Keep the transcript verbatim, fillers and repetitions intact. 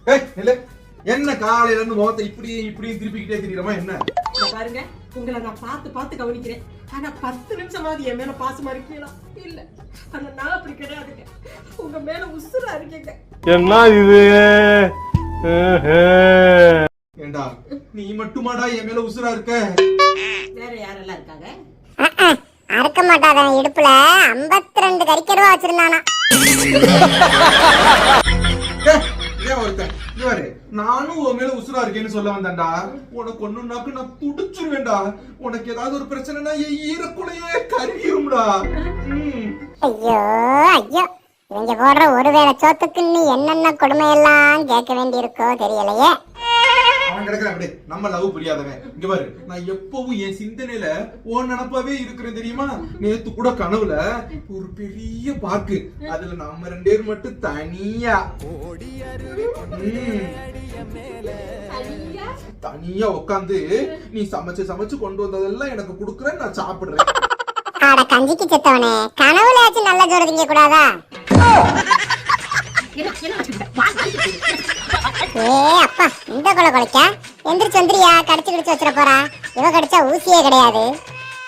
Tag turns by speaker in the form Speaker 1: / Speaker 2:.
Speaker 1: ஏய் நில்லு. என்ன காலையில இருந்து முகத்தை இப்படி இப்படி திருப்பிக்கிட்டே திரியறமா என்ன?
Speaker 2: பாருங்க, உங்களை நான் பார்த்து பார்த்து கவனிக்கிறேன். ஆனா பத்து நிமிஷமாவது என் மேல பாசமா இருக்கீங்களா? இல்ல. ஆனா நான் அப்படி கிடையாதுங்க. உங்க மேல உசுரா இருக்கீங்க.
Speaker 3: என்ன இது?
Speaker 1: ஏண்டா நீ மட்டுமாடா என் மேல உசுரா இருக்க?
Speaker 2: வேற யாரெல்லாம் இருக்காங்க?
Speaker 4: அறுக்க மாட்டாதான் இடுப்புல ஐம்பத்தி ரெண்டு கறிக்கருவா வச்சிருந்தானா.
Speaker 1: ஏன் ஒருத்தன் இவரு நானும் உன் மேல உசுரா இருக்கேன்னு சொல்ல வந்தேன்டா. உனக்கு ஒண்ணுனாக்கு நான் துடிச்சிருவேன்டா. உனக்கு ஏதாவது ஒரு பிரச்சனைனா என் ஈரக்குலையே கருகிரும்டா.
Speaker 4: ஐயோ ஐயோ, இவங்க போடுற ஒருவேளை சோத்துக்கு நீ என்னென்ன கொடுமையெல்லாம் கேட்க வேண்டி இருக்கோ தெரியலையே.
Speaker 1: அவன் கிடக்குறான் அப்படியே நம்ம லவ் புரியாதவன். இங்க பாரு, நான் எப்பவும் என் சிந்தனையில ஓன் நினப்பாவே இருக்கிறேன் தெரியுமா? நேத்து கூட கனவுல ஒரு பெரிய பார்க்கு, அதுல நம்ம ரெண்டு பேரும் மட்டும் தனியா தனியா உட்காந்து நீ சமைச்சு சமைச்சு கொண்டு வந்ததெல்லாம் எனக்கு குடுக்குறேன், நான் சாப்பிடுறேன்.
Speaker 4: ஆட கஞ்சிக்கு செத்தவனே, கனவுலயாச்சும் நல்ல ஜோறு திங்க கூடாதா? ஏ அப்பா, இந்த கொலை கொலைக்கா எந்திரிச்சு வந்துரியா? கடிச்சு கடிச்சு வச்சிட போறா. இவ கடிச்சா ஊசியே கிடையாது.